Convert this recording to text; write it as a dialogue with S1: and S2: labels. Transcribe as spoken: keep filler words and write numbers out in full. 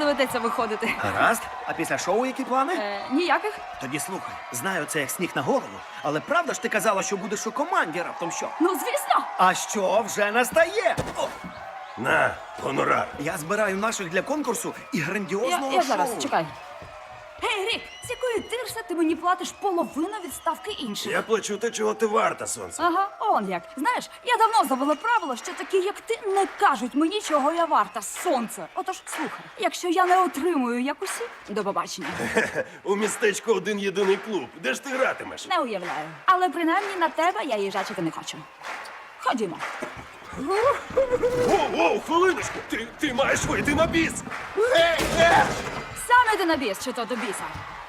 S1: доведеться виходити.
S2: Гаразд, а після шоу які плани?
S1: Е, ніяких.
S2: Тоді слухай, знаю, це як сніг на голову, але правда ж ти казала, що будеш у команді раптом що?
S1: Ну, звісно.
S2: А що вже настає? О,
S3: На, гонорар.
S2: я збираю наших для конкурсу і
S1: Я,
S2: грандіозного
S1: я
S2: шоу.
S1: зараз, чекай. Гей, Рік, з якої тирси ти мені платиш половину від ставки інших?
S3: Я плачу те, чого ти варта, сонце.
S1: Ага, он як. Знаєш, я давно забула правило, що такі, як ти, не кажуть мені, чого я варта, сонце. Отож, слухай, якщо я не отримую як усі, до побачення.
S3: У містечку один єдиний клуб. Де ж ти гратимеш?
S1: Не уявляю. Але принаймні на тебе я їжачити не хочу. Ходімо.
S3: Воу, воу, хвилиночку! Ти, ти маєш вийти на біс!
S1: Саме ти на біс, чи то до біса.